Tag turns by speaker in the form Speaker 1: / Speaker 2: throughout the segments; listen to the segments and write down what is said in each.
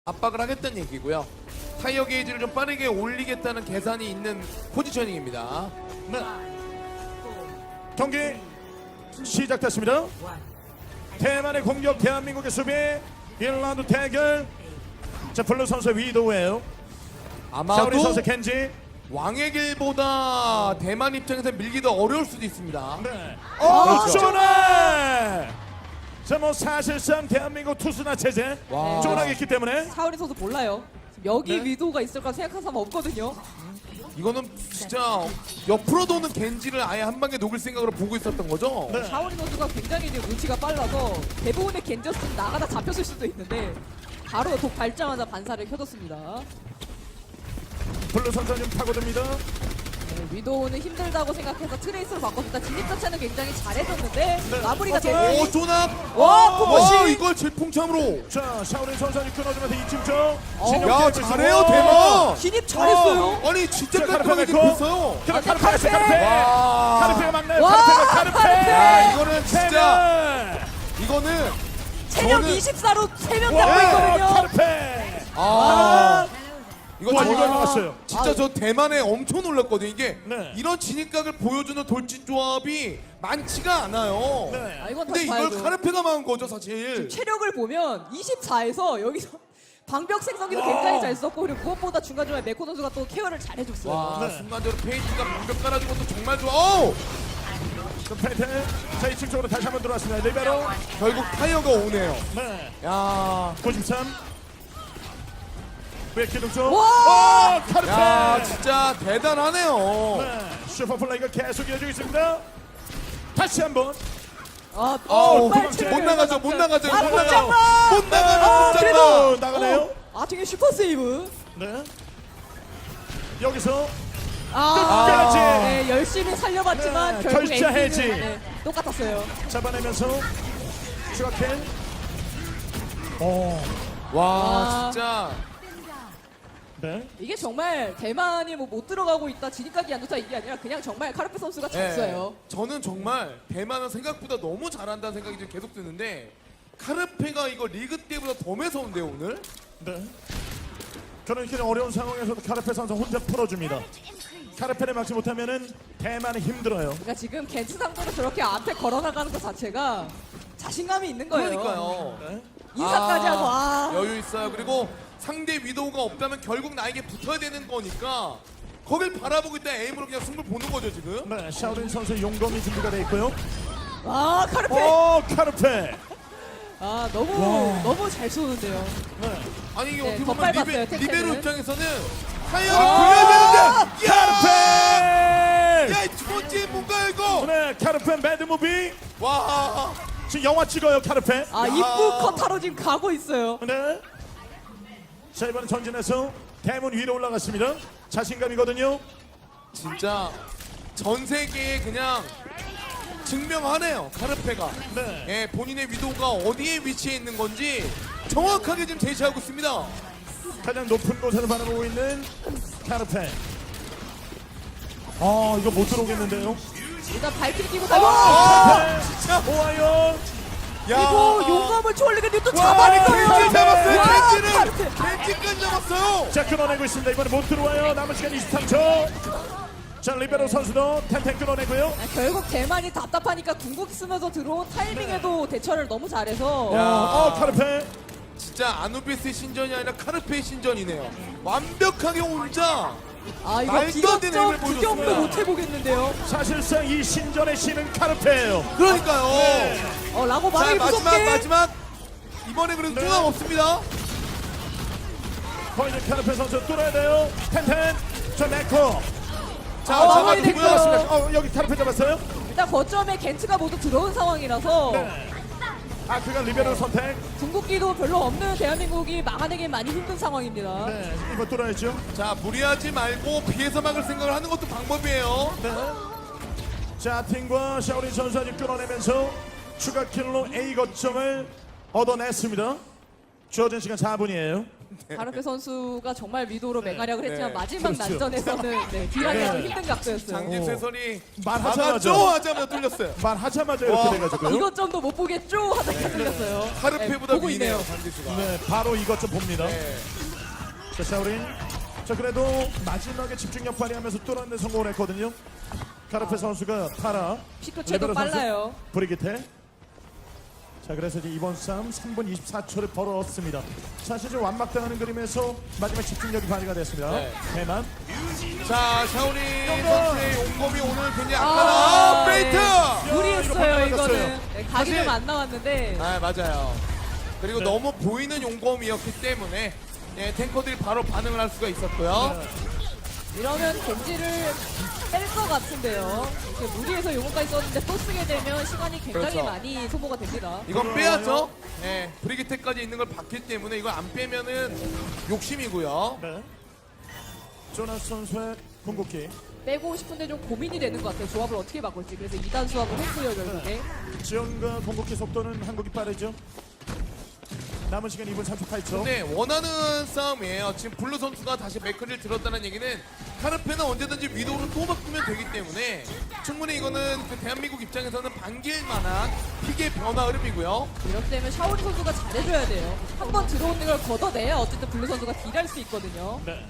Speaker 1: 압박을 하겠다는 얘기고요. 타이어 게이지를 좀 빠르게 올리겠다는 계산이 있는 포지셔닝입니다.
Speaker 2: 네. 경기 시작됐습니다. 대만의 공격, 대한민국의 수비. 1라운드 대결. 자, 블루 선수 위도우예요. 자,
Speaker 1: 아마도
Speaker 2: 우리 선수 켄지.
Speaker 1: 왕의 길보다 대만 입장에서 밀기도 어려울 수도 있습니다.
Speaker 2: 네.
Speaker 1: 그렇죠.
Speaker 2: 쪼나! 자, 뭐 사실상 대한민국 투수나 체제
Speaker 1: 와.
Speaker 2: 쪼나기 있기 때문에
Speaker 3: 사우리 선수 몰라요. 여기
Speaker 2: 네.
Speaker 3: 위도가 있을 까 생각한 사람 없거든요.
Speaker 1: 이거는 진짜 옆으로 도는 겐지를 아예 한 방에 녹일 생각으로 보고 있었던 거죠.
Speaker 2: 네.
Speaker 3: 사우리 선수가 굉장히 이제 눈치가 빨라서 대부분의 겐저스는 나가다 잡혔을 수도 있는데 바로 독 밟자마자 반사를 켜줬습니다.
Speaker 2: 블루 선수 좀 파고듭니다.
Speaker 3: 네, 위도우는 힘들다고 생각해서 트레이스로 바꿨습니다. 진입 자체는 굉장히 잘해줬는데
Speaker 2: 네.
Speaker 3: 마무리가
Speaker 2: 네.
Speaker 3: 되고
Speaker 1: 오, 쪼낙!
Speaker 3: 와, 포커싱!
Speaker 1: 와, 이걸 질풍참으로!
Speaker 2: 자, 샤오린 선수는 끊어주면서 이쯤 쪽.
Speaker 1: 야, 잘해요, 대만!
Speaker 3: 진입 잘했어요.
Speaker 1: 아니, 진짜
Speaker 2: 자,
Speaker 1: 깔끔하게
Speaker 2: 카르페 넣고.
Speaker 1: 됐어요.
Speaker 2: 그래,
Speaker 3: 아,
Speaker 2: 카르페, 카르페.
Speaker 1: 와.
Speaker 2: 카르페가 맞나요?
Speaker 3: 와,
Speaker 2: 카르페.
Speaker 3: 카르페!
Speaker 1: 야, 이거는 진짜,
Speaker 2: 대면.
Speaker 1: 이거는,
Speaker 3: 체력
Speaker 1: 저는-
Speaker 3: 24로 3명
Speaker 2: 와,
Speaker 3: 잡고 있거든요.
Speaker 2: 카르페.
Speaker 1: 아, 이거
Speaker 2: 와,
Speaker 1: 저는
Speaker 2: 이걸 막았어요.
Speaker 1: 진짜 저 대만에 엄청 놀랐거든요. 이게
Speaker 2: 네.
Speaker 1: 이런 진입각을 보여주는 돌진 조합이 많지가 않아요.
Speaker 2: 네.
Speaker 3: 아, 이건
Speaker 1: 근데
Speaker 3: 다시
Speaker 1: 이걸
Speaker 3: 봐야죠.
Speaker 1: 카르페가 막은 거죠, 사실.
Speaker 3: 체력을 보면 24에서 여기서 방벽 생성기도
Speaker 2: 와.
Speaker 3: 굉장히 잘 썼고 그리고 무엇보다 중간중간에 메코 선수가 또 케어를 잘 해줬어요.
Speaker 1: 와,
Speaker 2: 네.
Speaker 1: 순간적으로 페이지가 방벽 깔아준 것도 정말 좋아. 오!
Speaker 2: 그 페이트. 자, 이층 쪽으로 다시 한번 들어왔습니다. 리베로.
Speaker 1: 결국 타이어가 오네요.
Speaker 2: 네.
Speaker 1: 야,
Speaker 2: 93. 왜 기둥 쪽?
Speaker 3: 와!
Speaker 2: 카르페.
Speaker 1: 야, 진짜 대단하네요.
Speaker 2: 네. 슈퍼 플레이가 계속 이어지고 있습니다. 다시 한번.
Speaker 3: 아,
Speaker 1: 아우,
Speaker 3: 빨리
Speaker 1: 못
Speaker 3: 체력을
Speaker 1: 나가죠,
Speaker 3: 갖다
Speaker 1: 못 나가죠,
Speaker 3: 아,
Speaker 1: 못
Speaker 3: 못
Speaker 1: 나가요.
Speaker 3: 잡아!
Speaker 1: 못 나가요,
Speaker 2: 아,
Speaker 1: 못
Speaker 2: 그래도
Speaker 1: 잡아.
Speaker 2: 나가네요.
Speaker 3: 아, 되게 슈퍼 세이브.
Speaker 2: 네. 여기서
Speaker 3: 아,
Speaker 2: 끝까지.
Speaker 3: 네, 열심히 살려봤지만
Speaker 2: 네,
Speaker 3: 결국
Speaker 2: 결자 해지.
Speaker 3: 엔딩은 네, 똑같았어요.
Speaker 2: 잡아내면서 추가캔.
Speaker 1: 와,
Speaker 3: 아.
Speaker 1: 진짜.
Speaker 2: 네.
Speaker 3: 이게 정말 대만이 뭐 못 들어가고 있다, 진입각이 안 좋다 이게 아니라 그냥 정말 카르페 선수가 졌어요.
Speaker 1: 저는 정말 대만은 생각보다 너무 잘한다는 생각이 지금 계속 드는데 카르페가 이거 리그 때보다 더 매서운데요, 오늘?
Speaker 2: 네. 그러니까 어려운 상황에서도 카르페 선수 혼자 풀어줍니다. 카르페를 막지 못하면은 대만이 힘들어요.
Speaker 3: 그러니까 지금 겐츠 상대로 저렇게 앞에 걸어나가는 것 자체가 자신감이 있는 거예요.
Speaker 1: 그러니까요.
Speaker 2: 네.
Speaker 3: 인사까지 하고 아.
Speaker 1: 여유 있어요. 그리고 상대 위도우가 없다면 결국 나에게 붙어야 되는 거니까 거길 바라보고 있다 에임으로 그냥 승부를 보는 거죠, 지금.
Speaker 2: 네. 샤오린 선수 용검이 준비가 돼 있고요.
Speaker 3: 아, 카르페.
Speaker 2: 오, 카르페.
Speaker 3: 아, 너무 잘 쏘는데요.
Speaker 2: 네.
Speaker 1: 아니 이게
Speaker 3: 네,
Speaker 1: 어떻게
Speaker 3: 더
Speaker 1: 보면
Speaker 3: 밟았어요,
Speaker 1: 리베로
Speaker 3: 택배는.
Speaker 1: 입장에서는 타이어를 굴려야 되는데
Speaker 2: 카르페.
Speaker 1: 야, 이 두 번째 뭔가 이거.
Speaker 2: 네. 카르페 매드 무비.
Speaker 1: 와.
Speaker 2: 지금 영화 찍어요, 카르페.
Speaker 3: 아, 입구 컷하러 지금 가고 있어요.
Speaker 2: 네. 자, 이번엔 전진해서 대문 위로 올라갔습니다. 자신감이거든요.
Speaker 1: 진짜 전 세계에 그냥 증명하네요, 카르페가.
Speaker 2: 네.
Speaker 1: 예, 본인의 위도우가 어디에 위치해 있는 건지 정확하게 지금 제시하고 있습니다.
Speaker 2: 가장 높은 곳에서 바라보고 있는 카르페. 아, 이거 못 들어오겠는데요.
Speaker 3: 일단 발키리 끼고
Speaker 1: 아,
Speaker 2: 카르페.
Speaker 1: 진짜.
Speaker 2: 오하요.
Speaker 3: 그리고 용감을 초월리게 또
Speaker 1: 와,
Speaker 3: 잡아내고
Speaker 1: 겐지 잡았어요,
Speaker 3: 와,
Speaker 1: 겐지를.
Speaker 3: 카르페.
Speaker 1: 겐지까지 잡았어요.
Speaker 2: 자, 끊어내고 있습니다. 이번에 못 들어와요. 남은 시간 23초. 자, 리베로 선수도 템템 끊어내고요.
Speaker 3: 아, 결국 대만이 답답하니까 궁극 쓰면서 들어온 타이밍에도 대처를 너무 잘해서
Speaker 1: 야.
Speaker 2: 카르페.
Speaker 1: 진짜 아누비스의 신전이 아니라 카르페의 신전이네요. 완벽하게 혼자.
Speaker 3: 아, 이거
Speaker 1: 말도 안 되는 힘을
Speaker 3: 비겁적 구경도
Speaker 1: 보여줬습니다.
Speaker 3: 못 해보겠는데요.
Speaker 2: 사실상 이 신전의 신은 카르페예요.
Speaker 1: 그러니까요.
Speaker 3: 라고
Speaker 1: 자,
Speaker 3: 말하기 무섭게.
Speaker 1: 마지막. 이번에 그래도
Speaker 2: 네.
Speaker 1: 조항 없습니다.
Speaker 2: 거의 이제 카르페 선수 뚫어야 돼요. 템템. 저 네코.
Speaker 1: 자,
Speaker 3: 마무리
Speaker 1: 잡았고요.
Speaker 3: 됐고요.
Speaker 2: 여기 카르페 잡았어요.
Speaker 3: 일단 거점에 겐츠가 모두 들어온 상황이라서
Speaker 2: 네. 아, 그가 리베로 선택.
Speaker 3: 궁극기도 별로 없는 대한민국이 막아내기 많이 힘든 상황입니다.
Speaker 2: 네, 이거 뚫어야죠.
Speaker 1: 자, 무리하지 말고 피해서 막을 생각을 하는 것도 방법이에요.
Speaker 2: 네. 자, 팀과 샤오린 선수 아직 끊어내면서 추가 킬로 A 거점을 얻어냈습니다. 주어진 시간 4분이에요.
Speaker 3: 가르페 선수가 정말 위도로 맹활약을 했지만
Speaker 1: 네.
Speaker 3: 마지막
Speaker 2: 그렇죠.
Speaker 3: 난전에서는 딜하기가
Speaker 2: 네.
Speaker 3: 좀 힘든 각도였어요.
Speaker 1: 장진세 선이
Speaker 2: 말하자마자.
Speaker 1: 막았죠 하자마자 뚫렸어요.
Speaker 2: 말하자마자 이렇게
Speaker 1: 와.
Speaker 2: 돼가지고요.
Speaker 3: 이것 좀도 못 보겠죠 하다가 뚫렸어요.
Speaker 1: 카르페보다
Speaker 3: 보고
Speaker 1: 미네요
Speaker 3: 있네요.
Speaker 1: 장진수가.
Speaker 2: 네, 바로 이것 좀 봅니다.
Speaker 1: 네.
Speaker 2: 자, 샤오린. 자, 그래도 마지막에 집중력 발휘하면서 뚫어내는 성공을 했거든요. 카르페 선수가 타라.
Speaker 3: 피토체도
Speaker 2: 레베로 선수,
Speaker 3: 빨라요.
Speaker 2: 브리기테. 자, 그래서 이제 이번 싸움 3분 24초를 벌었습니다. 사실 좀 완막당하는 그림에서 마지막 집중력이 발휘가 됐습니다.
Speaker 1: 네.
Speaker 2: 대만.
Speaker 1: 자 샤오리
Speaker 2: 정말.
Speaker 1: 선수의 용검이 오늘 굉장히
Speaker 3: 아,
Speaker 1: 아까나 페이트.
Speaker 2: 이거
Speaker 3: 무리했어요
Speaker 2: 방금
Speaker 3: 이거는.
Speaker 2: 맞았어요.
Speaker 3: 네, 각이
Speaker 1: 사실-
Speaker 3: 좀 안 나왔는데
Speaker 1: 아 맞아요. 그리고
Speaker 2: 네.
Speaker 1: 너무 보이는 용검이었기 때문에 예, 탱커들이 바로 반응을 할 수가 있었고요.
Speaker 2: 네.
Speaker 3: 이러면 겐지를 뺄 것 같은데요. 이렇게 무리해서 요거까지 썼는데 또 쓰게 되면 시간이 굉장히
Speaker 1: 그렇죠.
Speaker 3: 많이 소모가 됩니다.
Speaker 1: 이건 빼야죠. 예, 브리기테까지 있는 걸 봤기 때문에 이걸 안 빼면은 욕심이고요.
Speaker 2: 네. 조나스 선수의 궁극기.
Speaker 3: 빼고 싶은데 좀 고민이 되는 것 같아요. 조합을 어떻게 바꿀지. 그래서 2단 수합을 했고요 결국에.
Speaker 2: 지원과 궁극기 속도는 한국이 빠르죠. 남은 시간 2분 38초.
Speaker 1: 근데 원하는 싸움이에요. 지금 블루 선수가 다시 맥크리를 들었다는 얘기는 카르페는 언제든지 위도우로 또 바꾸면 되기 때문에 충분히 이거는 그 대한민국 입장에서는 반길 만한 픽의 변화 흐름이고요.
Speaker 3: 이렇게 되면 샤오리 선수가 잘해줘야 돼요. 한 번 들어오는 걸 걷어내야 어쨌든 블루 선수가 딜할 수 있거든요.
Speaker 2: 네.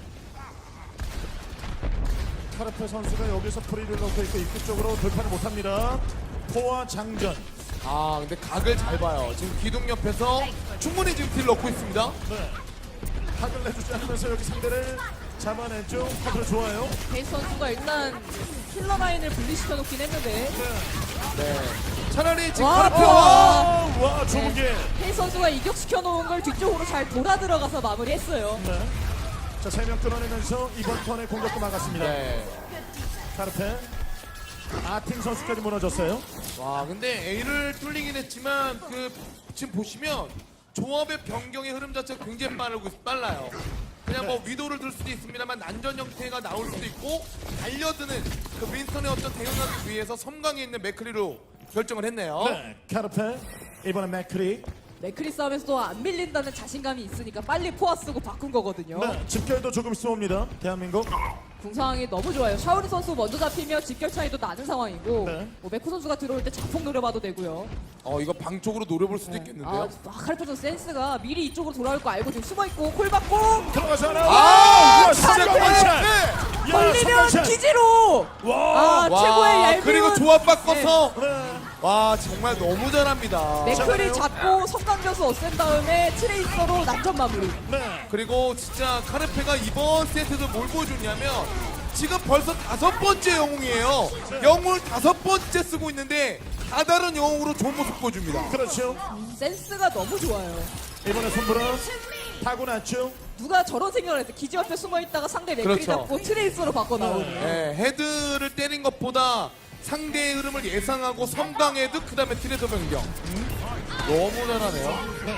Speaker 2: 카르페 선수가 여기서 프리를 넣고 있고 입구 쪽으로 돌파를 못합니다. 포와 장전.
Speaker 1: 아 근데 각을 잘 봐요. 지금 기둥 옆에서 충분히 지금 딜 넣고 있습니다.
Speaker 2: 네. 각을 내주지 않으면서 여기 상대를 잡아냈죠. 카드로 좋아요.
Speaker 3: 베이스 선수가 일단 킬러 라인을 분리시켜 놓긴 했는데
Speaker 1: 네. 차라리 지금
Speaker 3: 와,
Speaker 1: 카르페와
Speaker 2: 와, 좋은 게.
Speaker 3: 베이스 선수가 이격시켜 놓은 걸 뒤쪽으로 잘 돌아 들어가서 마무리했어요.
Speaker 2: 네. 자, 3명 끊어내면서 이번 턴에 공격도 막았습니다.
Speaker 1: 네.
Speaker 2: 카르페. 아팅 선수까지 무너졌어요.
Speaker 1: 와 근데 A를 뚫리긴 했지만 그 지금 보시면 조합의 변경의 흐름 자체가 굉장히 빨라요. 그냥 뭐 위도를 들 수도 있습니다만 난전 형태가 나올 수도 있고 달려드는 그 윈스턴의 어떤 대응하기 위해서 섬광에 있는 맥크리로 결정을 했네요.
Speaker 2: 네. 카르페. 이번엔 맥크리.
Speaker 3: 맥크리 싸움에서도 안 밀린다는 자신감이 있으니까 빨리 포화 쓰고 바꾼 거거든요.
Speaker 2: 네. 집결도 조금 있으면 옵니다. 대한민국.
Speaker 3: 궁 상황이 너무 좋아요. 샤오리 선수 먼저 잡히면 직결 차이도 나는 상황이고
Speaker 2: 네.
Speaker 3: 뭐 메코 선수가 들어올 때 자폭 노려봐도 되고요.
Speaker 1: 이거 방 쪽으로 노려볼 수도 있겠는데요.
Speaker 3: 카르페 선수 센스가 미리 이쪽으로 돌아올 거 알고 지금 숨어있고 콜 받고
Speaker 2: 들어가서 하나.
Speaker 1: 아,
Speaker 2: 우와,
Speaker 1: 진짜
Speaker 2: 성공샷.
Speaker 1: 깜짝이야.
Speaker 2: 야,
Speaker 3: 걸리면
Speaker 2: 성공샷.
Speaker 3: 기지로!
Speaker 2: 와.
Speaker 3: 아, 최고의 얄미운
Speaker 1: 그리고 조합 바꿔서
Speaker 2: 네.
Speaker 1: 와 정말 너무 잘합니다.
Speaker 3: 맥클이 잡고 성강변수 어센 다음에 트레이서로 난전 마무리.
Speaker 2: 네.
Speaker 1: 그리고 진짜 카르페가 이번 세트도 뭘 보여줬냐면 지금 벌써 5번째 영웅이에요. 영웅을 5번째 쓰고 있는데 다 다른 영웅으로 좋은 모습 보여줍니다.
Speaker 2: 그렇죠.
Speaker 3: 센스가 너무 좋아요.
Speaker 2: 이번에 손브라 타고났죠.
Speaker 3: 누가 저런 생각을 했어. 기지 옆에 숨어있다가 상대 맥클이
Speaker 1: 그렇죠.
Speaker 3: 잡고 트레이서로 바꿔 나오네.
Speaker 1: 네, 헤드를 때린 것보다 상대의 흐름을 예상하고 섬광 헤드 그다음에 트레이서 변경. 너무 잘하네요.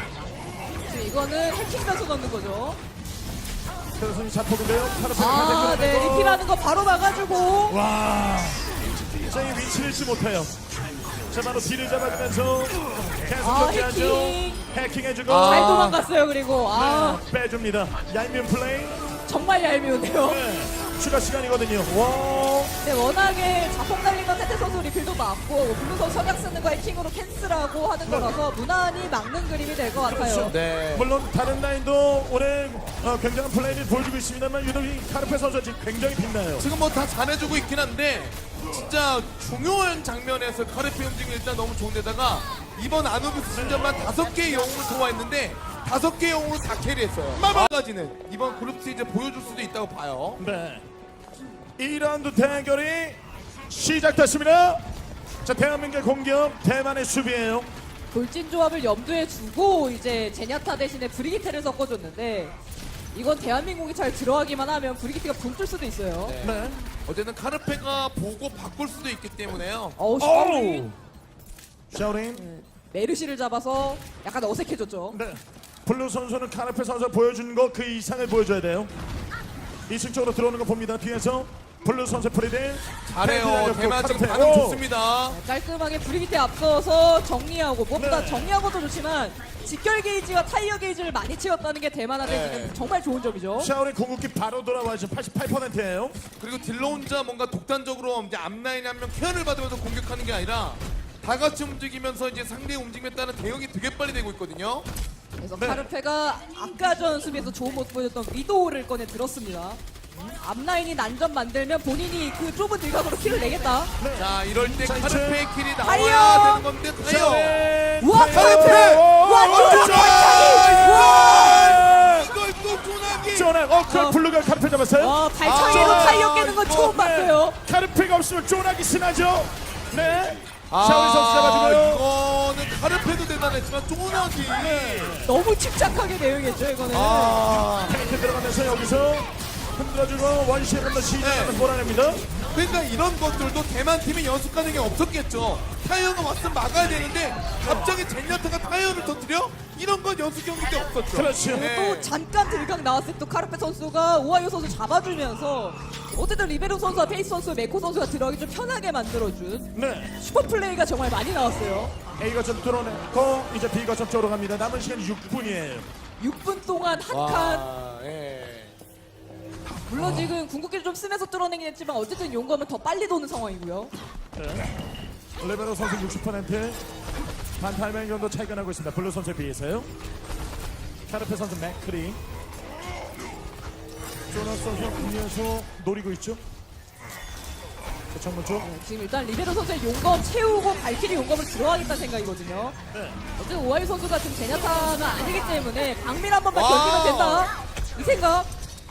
Speaker 3: 지금 이거는 해킹 변수 넣는 거죠.
Speaker 2: 그래서 이 자폭인데요. 카르페
Speaker 3: 아, 네. 리필하는 거 바로 막아주고.
Speaker 2: 와. 자, 이 위치를 잃지 못해요. 자, 바로 뒤를 잡아주면서 계속
Speaker 3: 아,
Speaker 2: 견제하죠.
Speaker 3: 해킹.
Speaker 2: 해킹해주고.
Speaker 3: 잘 도망갔어요. 그리고 아,
Speaker 2: 네, 빼줍니다. 얄미운 플레이.
Speaker 3: 정말 얄미운데요.
Speaker 2: 네. 추가 시간이거든요. 와.
Speaker 3: 네, 워낙에 자폭 날린 건 테테 선수 리필도 맞고 블루 선수 선약 쓰는 거 해킹으로 캔슬하고 하는 거라서 무난히 막는 그림이 될 것 같아요.
Speaker 1: 네.
Speaker 2: 물론 다른 라인도 오늘 굉장한 플레이를 보여주고 있습니다만 유독 이 카르페 선수가 지금 굉장히 빛나요.
Speaker 1: 지금 뭐 다 잘해주고 있긴 한데 진짜 중요한 장면에서 카르페 움직임이 일단 너무 좋은데다가 이번 아누비스 순전만 5개의 영웅을 소화했는데 5개의 영웅을 다 캐리했어요. 마지는 이번 그룹 스테이지 보여줄 수도 있다고 봐요.
Speaker 2: 네. 2라운드 대결이 시작됐습니다. 자, 대한민국의 공격, 대만의 수비예요.
Speaker 3: 돌진 조합을 염두에 두고 이제 제냐타 대신에 브리기테를 섞어줬는데 이건 대한민국이 잘 들어가기만 하면 브리기테가 붕 뜰 수도 있어요.
Speaker 1: 네.
Speaker 2: 네.
Speaker 1: 어제는 카르페가 보고 바꿀 수도 있기 때문에요.
Speaker 3: 어우, 샤오린.
Speaker 2: 샤오린.
Speaker 3: 메르시를 잡아서 약간 어색해졌죠.
Speaker 2: 네. 블루 선수는 카르페 선수 보여준 거 그 이상을 보여줘야 돼요. 이승 쪽으로 들어오는 거 봅니다. 뒤에서 블루 선수 프리딜
Speaker 1: 잘해요. 대만 지금
Speaker 2: 카르페.
Speaker 1: 반응
Speaker 2: 오.
Speaker 1: 좋습니다.
Speaker 3: 깔끔하게 브리기테 앞서서 정리하고 무엇보다
Speaker 2: 네.
Speaker 3: 정리한 것도 좋지만 직결 게이지와 타이어 게이지를 많이 채웠다는 게 대만한테
Speaker 1: 네.
Speaker 3: 지금 정말 좋은 점이죠.
Speaker 2: 샤오리 궁극기 바로 돌아와서 88%예요.
Speaker 1: 그리고 딜러 혼자 뭔가 독단적으로 이제 앞라인에 한 명 케어를 받으면서 공격하는 게 아니라 다 같이 움직이면서 이제 상대의 움직임에 따른 대응이 되게 빨리 되고 있거든요.
Speaker 3: 그래서
Speaker 2: 네.
Speaker 3: 카르페가 아까 전 수비에서 좋은 모습 보여줬던 위도우를 꺼내 들었습니다. 앞라인이 난점 만들면 본인이 그 좁은 일각으로 킬을 내겠다.
Speaker 1: 자, 이럴 때
Speaker 2: 자,
Speaker 1: 카르페의 킬이
Speaker 3: 타이어!
Speaker 1: 나와야 되는 건데 타이어.
Speaker 3: 우와, 카르페! 와,
Speaker 1: 와,
Speaker 3: 발차기! 와!
Speaker 1: 이걸 또 조나기.
Speaker 2: 쪼낙 그 블루가 카르페 잡았어요.
Speaker 3: 와, 발차기로
Speaker 1: 아,
Speaker 3: 타이어 깨는 건 처음
Speaker 1: 이거,
Speaker 3: 봤어요.
Speaker 2: 카르페가 없으면 쪼낙이 신하죠. 네. 샤오리 선수 잡아주고요.
Speaker 1: 이거는 카르페도 대단했지만 조나기.
Speaker 3: 너무 침착하게 대응했죠, 이거는.
Speaker 2: 페인트 들어가면서 여기서 흔들어주고 원시를 한번 시전하면 몰아냅니다.
Speaker 1: 그러니까 이런 것들도 대만 팀이 연습 가능이 없었겠죠. 타이어가 왔으면 막아야 되는데 갑자기 젠야타가 타이어를 터뜨려? 이런 건 연습 경기 때 없었죠.
Speaker 2: 그렇죠.
Speaker 1: 네.
Speaker 3: 또 잠깐 들각 나왔을 때 또 카르페 선수가 오하이오 선수 잡아주면서 어쨌든 리베로 선수와 페이스 선수, 메코 선수가 들어가기 좀 편하게 만들어준
Speaker 2: 네.
Speaker 3: 슈퍼 플레이가 정말 많이 나왔어요.
Speaker 2: A가 좀 뚫어내고 이제 B가 좀 쪽으로 갑니다. 남은 시간 6분이에요.
Speaker 3: 6분 동안 한 칸.
Speaker 1: 와, 예.
Speaker 3: 물론 지금 궁극기를 좀 쓰면서 뚫어내긴 했지만 어쨌든 용검은 더 빨리 도는 상황이고요.
Speaker 2: 네. 레베로 선수 60% 반 타이밍 정도 차이가 나고 있습니다. 블루 선수에 비해서요. 카르페 선수 맥크리. 조나 선수 뒤에서 노리고 있죠. 정문 쪽.
Speaker 3: 지금 일단 리베로 선수의 용검 채우고 발키리 용검을 들어가겠다는 생각이거든요.
Speaker 2: 네.
Speaker 3: 어쨌든 오하이오 선수가 지금 제냐타가 아니기 때문에 박밀 한 번만
Speaker 1: 와우.
Speaker 3: 견디면 된다. 이 생각.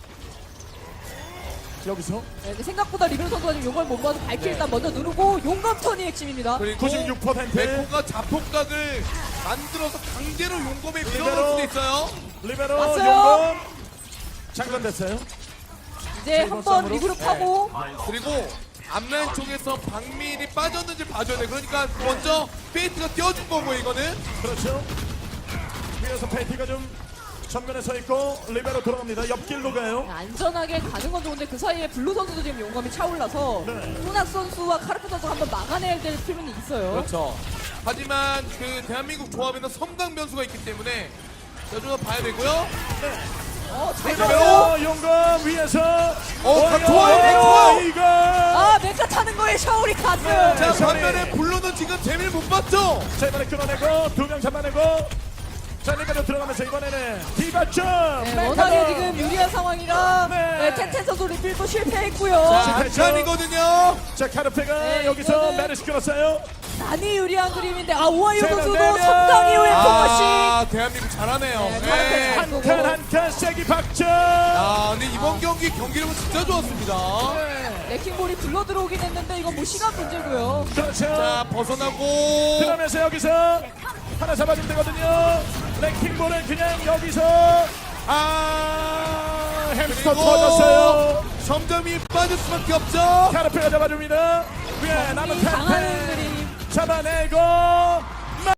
Speaker 2: 여기서
Speaker 3: 네, 근데 생각보다 리베로 선수가 지금 용검을 못 봐서 발키리 일단 먼저 누르고 용검 턴이 핵심입니다.
Speaker 1: 그리고
Speaker 2: 96%.
Speaker 1: 메코가 자폭각을 만들어서 강제로 용검에
Speaker 2: 리베로.
Speaker 1: 밀어넣을 수도 있어요.
Speaker 2: 리베로
Speaker 3: 왔어요.
Speaker 2: 용검 장전됐어요.
Speaker 3: 이제 한번 리그룹하고
Speaker 1: 그리고 앞라인 쪽에서 박밀이 빠졌는지 봐줘야 돼. 그러니까 먼저 페이트가 띄워준 거고 이거는.
Speaker 2: 그렇죠. 위에서 페이티가 좀 전면에 서 있고 리베로 돌아갑니다. 옆길로 가요.
Speaker 3: 안전하게 가는 건 좋은데 그 사이에 블루 선수도 지금 용검이 차올라서
Speaker 2: 네.
Speaker 3: 소낙 선수와 카르페 선수가 한번 막아내야 될 필요는 있어요.
Speaker 1: 그렇죠. 하지만 그 대한민국 조합에는 섬광 변수가 있기 때문에 여주가 봐야 되고요.
Speaker 3: 잘
Speaker 2: 리베로
Speaker 3: 잡아요.
Speaker 2: 용검 위에서
Speaker 1: 좋아요.
Speaker 2: 이거
Speaker 3: 아, 메카 타는 거에 샤오리 카드.
Speaker 1: 자,
Speaker 2: 샤오리.
Speaker 1: 반면에 블루는 지금 재미를 못 봤죠.
Speaker 2: 자 이번에 끊어내고 2명 잡아내고 자 리베로 들어가면서 이번에는 디바점
Speaker 3: 네, 워낙에 지금 유리한 상황이라
Speaker 2: 네.
Speaker 3: 네, 텐텐 선수 리필도 실패했고요.
Speaker 1: 자, 한칸이거든요.
Speaker 2: 자 카르페가
Speaker 3: 네,
Speaker 2: 여기서
Speaker 3: 이거는-
Speaker 2: 매를 시켜놨어요.
Speaker 3: 많이 유리한 그림인데 오하이오
Speaker 2: 제가
Speaker 3: 선수도
Speaker 2: 내면-
Speaker 3: 성강 이후에 포커싱.
Speaker 1: 아, 대한민국 잘하네요.
Speaker 3: 네,
Speaker 1: 네.
Speaker 3: 잘하네요.
Speaker 2: 한칸 세기 박점.
Speaker 1: 아, 근데 이번 경기 경기력은 진짜 좋았습니다.
Speaker 3: 레킹볼이 불러 들어오긴 했는데 이건 뭐 시간 문제고요.
Speaker 2: 그렇죠.
Speaker 1: 자, 벗어나고.
Speaker 2: 들어가면서 여기서 하나 잡아주면 되거든요. 랭킹볼은 그냥 여기서 햄스터 터졌어요.
Speaker 1: 점점이 빠질 수밖에 없죠.
Speaker 2: 카르페가 잡아줍니다. 위에 남은
Speaker 3: 이 강하는
Speaker 2: 템페
Speaker 3: 그림.
Speaker 2: 잡아내고